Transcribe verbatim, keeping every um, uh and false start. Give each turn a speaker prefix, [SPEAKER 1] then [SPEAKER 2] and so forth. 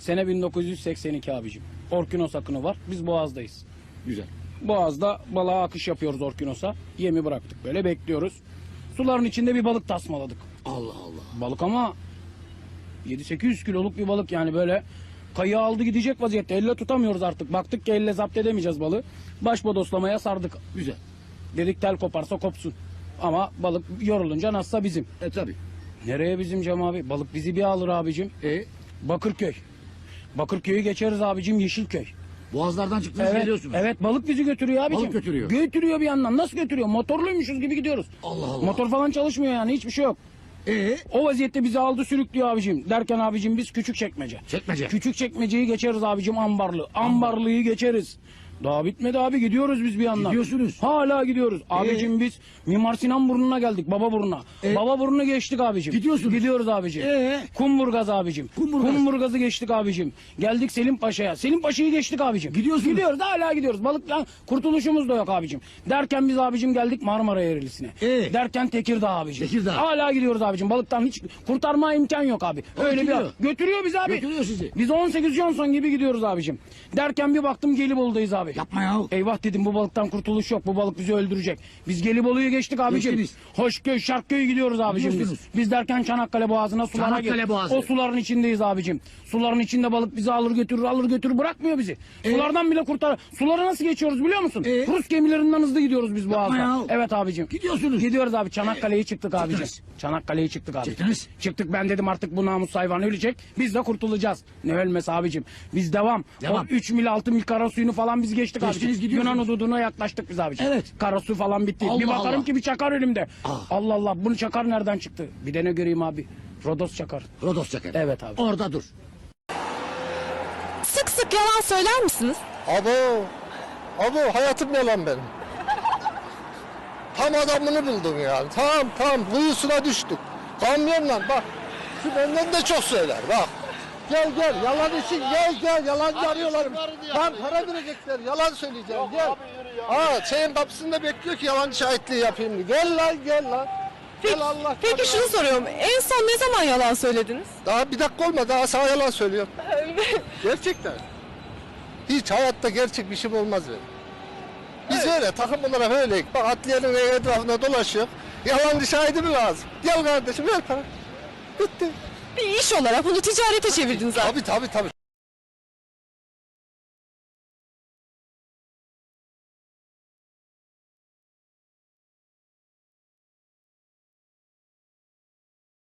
[SPEAKER 1] Sene bin dokuz yüz seksen iki abicim. Orkinos akını var. Biz Boğaz'dayız.
[SPEAKER 2] Güzel.
[SPEAKER 1] Boğaz'da balığa akış yapıyoruz Orkinos'a. Yemi bıraktık böyle bekliyoruz. Suların içinde bir balık tasmaladık.
[SPEAKER 2] Allah Allah.
[SPEAKER 1] Balık ama yedi sekiz yüz kiloluk bir balık yani böyle kayığı aldı gidecek vaziyette. Elle tutamıyoruz artık. Baktık ki elle zapt edemeyeceğiz balığı. Baş bodoslamaya sardık.
[SPEAKER 2] Güzel.
[SPEAKER 1] Dedik tel koparsa kopsun. Ama balık yorulunca nasılsa bizim.
[SPEAKER 2] E tabi.
[SPEAKER 1] Nereye bizim Cem abi? Balık bizi bir alır abicim.
[SPEAKER 2] E
[SPEAKER 1] Bakırköy. Bakırköy'ü geçeriz abicim, Yeşilköy.
[SPEAKER 2] Boğazlardan çıktınız
[SPEAKER 1] Evet,
[SPEAKER 2] geliyorsunuz.
[SPEAKER 1] evet balık bizi götürüyor abicim.
[SPEAKER 2] Balık götürüyor.
[SPEAKER 1] Götürüyor bir yandan. Nasıl götürüyor? Motorluymuşuz gibi gidiyoruz.
[SPEAKER 2] Allah Allah.
[SPEAKER 1] Motor falan çalışmıyor yani, hiçbir şey yok.
[SPEAKER 2] E
[SPEAKER 1] O vaziyette bizi aldı sürüklüyor abicim. Derken abicim biz küçük çekmece.
[SPEAKER 2] Çekmece.
[SPEAKER 1] Küçük çekmeceyi geçeriz abicim, ambarlı. Ambarlıyı geçeriz. Daha bitmedi abi, gidiyoruz biz bir yandan.
[SPEAKER 2] Gidiyorsunuz.
[SPEAKER 1] Hala gidiyoruz. Abicim biz Mimar Sinan burnuna geldik, Baba burnuna.
[SPEAKER 2] Ee?
[SPEAKER 1] Baba burnunu geçtik abicim.
[SPEAKER 2] Gidiyorsunuz.
[SPEAKER 1] Gidiyoruz abicim.
[SPEAKER 2] Ee?
[SPEAKER 1] Kumburgaz abicim.
[SPEAKER 2] Kumburgaz.
[SPEAKER 1] Kumburgaz'ı geçtik abicim. Geldik Selim Paşa'ya. Selim Paşa'yı geçtik abicim.
[SPEAKER 2] Gidiyorsunuz.
[SPEAKER 1] Gidiyoruz, hala gidiyoruz. Balıktan kurtuluşumuz da yok abicim. Derken biz abicim geldik Marmara Ereğlisi'ne.
[SPEAKER 2] Ee?
[SPEAKER 1] Derken Tekirdağ abicim.
[SPEAKER 2] Tekirdağ.
[SPEAKER 1] Hala gidiyoruz abicim. Balıktan hiç kurtarma imkan yok abi. Öyle
[SPEAKER 2] Götürüyor.
[SPEAKER 1] bir götürüyor bizi abi.
[SPEAKER 2] Götürüyor sizi.
[SPEAKER 1] Biz on sekiz Johnson gibi gidiyoruz abicim. Derken bir baktım Gelibolu'dayız abi.
[SPEAKER 2] Yapma ya.
[SPEAKER 1] Eyvah dedim, bu balıktan kurtuluş yok. Bu balık bizi öldürecek. Biz Gelibolu'yu geçtik abicim.
[SPEAKER 2] Geçtiniz.
[SPEAKER 1] Hoşköy, Şarkköy'e gidiyoruz abicim biz.
[SPEAKER 2] Gidiyorsunuz.
[SPEAKER 1] Biz derken Çanakkale Boğazı'na, sulara
[SPEAKER 2] Çanakkale
[SPEAKER 1] gir-
[SPEAKER 2] Boğazı.
[SPEAKER 1] O suların içindeyiz abicim. Suların içinde balık bizi alır götürür, alır götürür, bırakmıyor bizi.
[SPEAKER 2] Ee?
[SPEAKER 1] Sulardan bile kurtar. Suları nasıl geçiyoruz biliyor musun?
[SPEAKER 2] Ee?
[SPEAKER 1] Rus gemilerinden hızlı gidiyoruz biz Boğaz'da.
[SPEAKER 2] ya.
[SPEAKER 1] Evet abicim.
[SPEAKER 2] Gidiyorsunuz.
[SPEAKER 1] Gidiyoruz abi. Çanakkale'yi çıktık abicim.
[SPEAKER 2] Çıktınız.
[SPEAKER 1] Çanakkale'yi çıktık abi.
[SPEAKER 2] Çıktınız.
[SPEAKER 1] Çıktık, ben dedim artık bu namus hayvan ölecek. Biz de kurtulacağız. Ne ölmesi abicim. Biz devam.
[SPEAKER 2] Devam.
[SPEAKER 1] O üç mil altı mil kara suyunu falan biz geçtik
[SPEAKER 2] Geçtiniz,
[SPEAKER 1] abicim.
[SPEAKER 2] gidiyorsunuz.
[SPEAKER 1] Yunan hududuna yaklaştık biz abicim.
[SPEAKER 2] Evet.
[SPEAKER 1] Kara su falan bitti.
[SPEAKER 2] Allah
[SPEAKER 1] bir bakarım
[SPEAKER 2] Allah.
[SPEAKER 1] ki bir çakar önümde.
[SPEAKER 2] Ah.
[SPEAKER 1] Allah Allah, bunu çakar nereden çıktı? Bir de ne göreyim abi? Rodos çakar.
[SPEAKER 2] Rodos çeker.
[SPEAKER 1] Evet abi.
[SPEAKER 2] Orada dur.
[SPEAKER 3] Sık sık yalan söyler misiniz?
[SPEAKER 4] Abo, abo hayatım yalan benim. Tam adamını buldum yani. Tam tam kuyusuna düştük. Kamyonla bak. Şu benden de çok söyler bak. Gel gel yalan için gel gel yalancı arıyorlar. Lan para verecekler yalan söyleyeceğim gel. Aa şeyin kapısında bekliyor ki yalancı şahitliği yapayım diye. Gel lan gel lan.
[SPEAKER 3] Peki,
[SPEAKER 4] Gel Allah.
[SPEAKER 3] peki şunu soruyorum. En son ne zaman yalan söylediniz?
[SPEAKER 4] Daha bir dakika olmadı daha sana yalan söylüyorum. Gerçekten. Hiç hayatta gerçek bir şey olmaz benim. Biz öyle takım olarak öyleyiz. Bak atliyenin etrafında dolaşıyor. Yalancı şahidi mi lazım? Gel kardeşim ver para. Bitti.
[SPEAKER 3] Bir iş olarak bunu ticarete çevirdiniz abi.
[SPEAKER 4] Tabii tabii tabii.